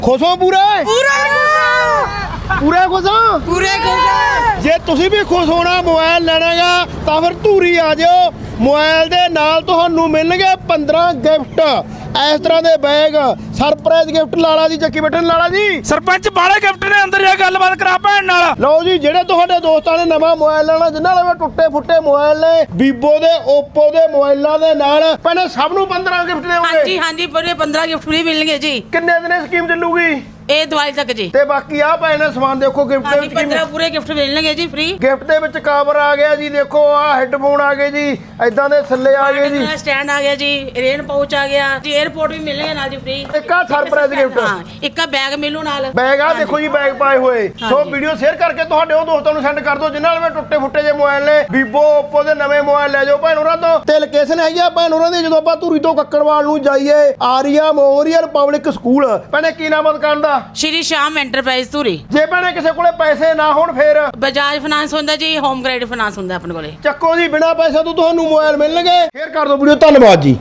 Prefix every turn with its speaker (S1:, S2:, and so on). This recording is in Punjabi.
S1: खुश हो पूरे
S2: पूरा
S1: पूरे खुश हो
S2: पूरे खुश
S1: ਜੇ ਤੁਸੀਂ ਵੀ ਖੁਸ਼ ਹੋਣਾ ਮੋਬਾਈਲ ਲੈਣਾਗਾ ਤਾਂ ਫਿਰ ਧੂਰੀ ਆ ਜਾਓ। ਮੋਬਾਈਲ ਦੇ ਨਾਲ ਤੁਹਾਨੂੰ ਮਿਲਣਗੇ 15 ਗਿਫਟ ਇਸ ਤਰ੍ਹਾਂ ਦੇ ਬੈਗ ਸਰਪ੍ਰਾਈਜ਼ ਗਿਫਟ। ਲਾਲਾ ਜੀ ਚੱਕੀ ਬੈਠਣ ਲਾਲਾ ਜੀ
S3: ਸਰਪੰਚ ਬਾਲੇ ਗਿਫਟ ਨੇ ਅੰਦਰ ਜਾ ਗੱਲਬਾਤ ਕਰਾ ਭੈਣ ਨਾਲ।
S1: ਲਓ ਜੀ ਜਿਹੜੇ ਤੁਹਾਡੇ ਦੋਸਤਾਂ ਨੇ ਨਵਾਂ ਮੋਬਾਈਲ ਲੈਣਾ ਜਿਨ੍ਹਾਂ ਲਵੇ ਟੁੱਟੇ ਫੁੱਟੇ ਮੋਬਾਈਲ ਨੇ ਵੀਵੋ ਦੇ ਓਪੋ ਦੇ ਮੋਬਾਈਲਾਂ ਦੇ ਨਾਲ ਪਹਿਲੇ ਸਭ ਨੂੰ 15 ਗਿਫਟ ਦੇਵੋਗੇ।
S2: हाँ जी पूरे 15 गिफ्ट फ्री मिलेंगे जी।
S1: ਕਿੰਨੇ ਦਿਨ ਸਕੀਮ ਚੱਲੂਗੀ
S2: ये दिवाली तक जी।
S1: ਤੇ ਬਾਕੀ ਆ ਪਏ ਨੇ ਸਮਾਨ ਦੇਖੋ ਗਿਫਟ
S2: हाँ
S1: ਦੇ
S2: जी
S1: ਵਿੱਚ
S2: 15 पूरे गिफ्ट मिलेंगे जी फ्री।
S1: ਗਿਫਟ ਦੇ ਵਿੱਚ ਕਵਰ ਆ ਗਿਆ ਜੀ। ਦੇਖੋ ਆ ਹੈੱਡਫੋਨ ਆ ਗਏ ਜੀ ਐਦਾਂ ਦੇ ਥੱਲੇ ਆ ਗਏ ਜੀ।
S2: स्टैंड आ गया जी, रेन पाउच आ गया जी, एयरपोर्ट भी मिलेंगे नाल जी फ्री।
S1: ਇੱਕ ਆ ਸਰਪ੍ਰਾਈਜ਼ ਗਿਫਟ
S2: हाँ एक का बैग मिलू नाल।
S1: ਬੈਗ ਆ ਦੇਖੋ ਜੀ ਬੈਗ ਪਾਏ ਹੋਏ। ਸੋ
S2: ਹਾਂਜੀ।
S1: ਵੀਡੀਓ ਸ਼ੇਅਰ ਕਰਕੇ ਤੁਹਾਡੇ ਉਹ ਦੋਸਤਾਂ ਨੂੰ ਸੈਂਡ ਕਰ ਦਿਓ ਜਿਨ੍ਹਾਂ ਨਾਲ ਟੁੱਟੇ ਫੁੱਟੇ ਜੇ ਮੋਬਾਈਲ ਨੇ। ਵੀਵੋ ਓਪੋ ਦੇ ਨਵੇਂ ਮੋਬਾਈਲ ਲੈ ਜਾਓ ਭੈਣ ਉਹਨਾਂ ਤੋਂ। ਤੇ ਲੋਕੇਸ਼ਨ ਹੈਗੀ ਆ ਭੈਣ ਉਹਨਾਂ ਦੀ ਜਦੋਂ ਆਪਾਂ ਧੂਰੀ ਤੋਂ ਕੱਕੜਵਾਲ ਨੂੰ ਜਾਈਏ ਆਰੀਆ ਮੈਮੋਰੀਅਲ ਪਬਲਿਕ ਸਕੂਲ। ਭੈਣੇ ਕੀ ਨਾਮ ਆ ਦੁਕਾਨ ਦਾ?
S2: श्री श्याम एंटरप्राइज धूरी।
S1: ਜੇ ਭੈਣੇ ਕਿਸੇ ਕੋਲੇ ਪੈਸੇ ਨਾ ਹੋਣ ਫੇਰ
S2: बजाज फाइनेंस होंदा जी, होम क्रेडिट फाइनेंस होंदा अपने कोले।
S1: ਚੱਕੋ ਜੀ ਬਿਨਾ ਪੈਸੇ ਤੋਂ ਤੁਹਾਨੂੰ ਮੋਬਾਈਲ ਮਿਲਣਗੇ। ਸ਼ੇਅਰ ਕਰ ਦਿਓ ਵੀਡੀਓ। ਧੰਨਵਾਦ ਜੀ।